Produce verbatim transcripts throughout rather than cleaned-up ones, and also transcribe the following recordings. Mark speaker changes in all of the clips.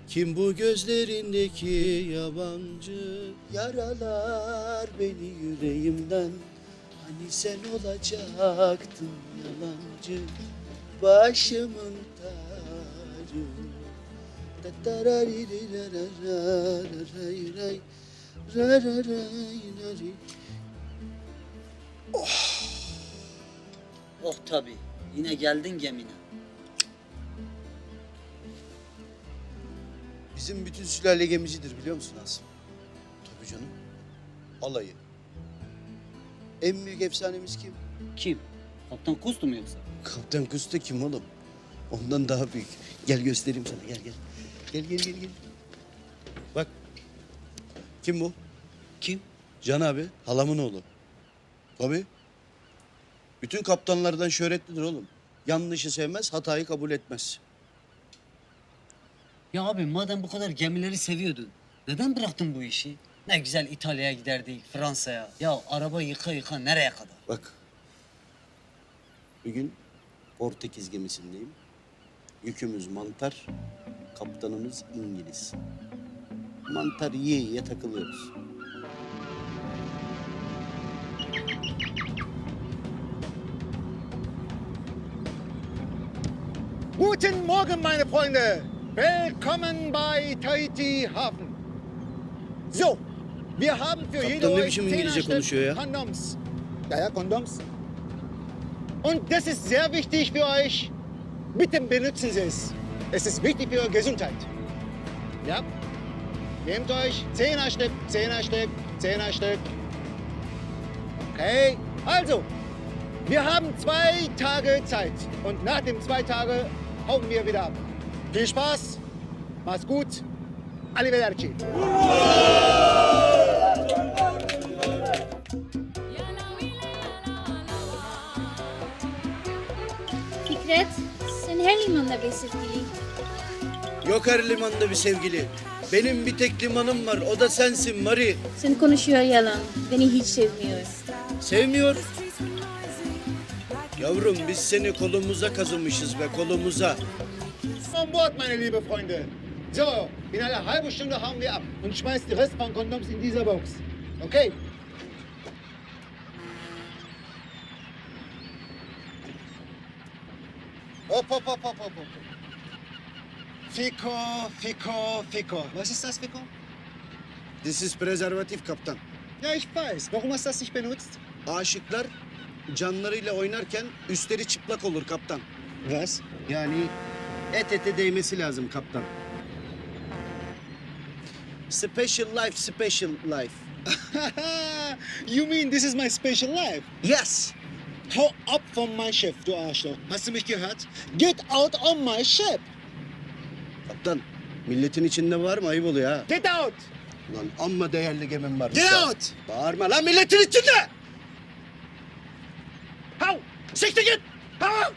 Speaker 1: Kim bu gözlerindeki yabancı? Yaralar beni yüreğimden. Hani sen olacaktın yalancı, başımın tacı. Tatararirirararararay, rararayrari.
Speaker 2: Oh tabii. Yine geldin gemine.
Speaker 1: Bizim bütün sülale gemicidir biliyor musun Asım? Tabii canım. Alayı. En büyük efsanemiz kim?
Speaker 2: Kim? Kaptan Kustu mu yoksa?
Speaker 1: Kaptan Kusta kim oğlum? Ondan daha büyük. Gel göstereyim sana, gel gel. Gel gel gel gel. Bak. Kim bu?
Speaker 2: Kim?
Speaker 1: Can abi, halamın oğlu. Tabii. Bütün kaptanlardan şöhretlidir oğlum. Yanlışı sevmez, hatayı kabul etmez.
Speaker 2: Ya abi madem bu kadar gemileri seviyordun, neden bıraktın bu işi? Ne güzel İtalya'ya giderdik, Fransa'ya. Ya araba yıka yıka nereye kadar?
Speaker 1: Bak. Bir gün Portekiz gemisindeyim. Yükümüz mantar, kaptanımız İngiliz. Mantar yiye yiye takılıyoruz.
Speaker 3: Guten Morgen, meine Freunde. Willkommen bei Tahiti Hafen. So, wir haben für
Speaker 1: Kaptan
Speaker 3: jede
Speaker 1: ne
Speaker 3: euch
Speaker 1: biçim
Speaker 3: zehner
Speaker 1: İngilizce
Speaker 3: Stück
Speaker 1: konuşuyor ya?
Speaker 3: Kondoms. Ja, ja, Kondoms. Und das ist sehr wichtig für euch. Bitte benutzen Sie es. Es ist wichtig für eure Gesundheit. Ja? Nehmt euch zehner Stück, zehner Stück, zehner Stück. Okay, also, wir haben zwei Tage Zeit. Und nach den zwei Tagen hauen wir wieder ab. Viel Spaß, macht's gut, arrivederci.
Speaker 4: Fikret, sen her limanda bir sevgili.
Speaker 1: Yok her limanda bir sevgili. Benim bir tek limanım var, o da sensin Mari.
Speaker 4: Sen konuşuyor yalan, beni hiç sevmiyor.
Speaker 1: Sevmiyor. Yavrum biz seni kolumuza kazımışız be, kolumuza.
Speaker 3: An Bord, meine liebe Freunde. So, in einer halben Stunde hauen wir ab und schmeißt die Rest von Kondoms in dieser Box. Okay? Hopp, hopp, hopp, hopp, hopp, hopp. Fico, Fico, Fico. Was ist das, Fico?
Speaker 1: This is prezervatif kaptan.
Speaker 3: Ja, ich weiß. Warum hast du das nicht benutzt?
Speaker 1: Aşıklar canlarıyla oynarken üstleri çıplak olur kaptan.
Speaker 3: Was?
Speaker 1: Yani et ete değmesi lazım kaptan. Special life, special life.
Speaker 3: You mean this is my special life?
Speaker 1: Yes.
Speaker 3: Hau ab von meinem Schiff, du Arschloch. Hast du mich gehört? Get out on my ship.
Speaker 1: Kaptan, milletin içinde var mı? Ayıp oluyor ha.
Speaker 3: Get out.
Speaker 1: Ulan amma değerli gemim var.
Speaker 3: Get out.
Speaker 1: Bağırma lan milletin içinde!
Speaker 3: Hau. Siktir git. Hau.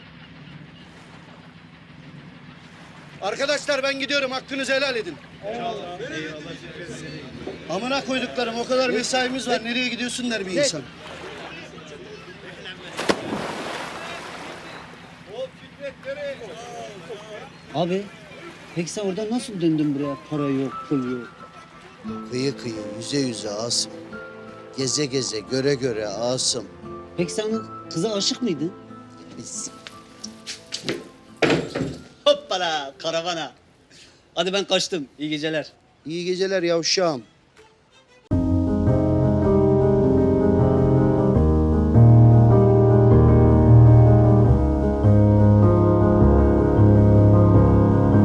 Speaker 1: Arkadaşlar ben gidiyorum. Hakkınızı helal edin. Eyvallah. Amına koyduklarım o kadar mesaimiz var. Nereye gidiyorsun der bir insan.
Speaker 2: Abi, peki sen oradan nasıl döndün buraya? Para yok, pul yok.
Speaker 1: Kıyı kıyı, yüze yüze Asım. Geze geze, göre göre Asım.
Speaker 2: Peki sen kıza aşık mıydın?
Speaker 1: Biz...
Speaker 2: Hoppala, karavana. Hadi ben kaçtım. İyi geceler.
Speaker 1: İyi geceler yavşağım.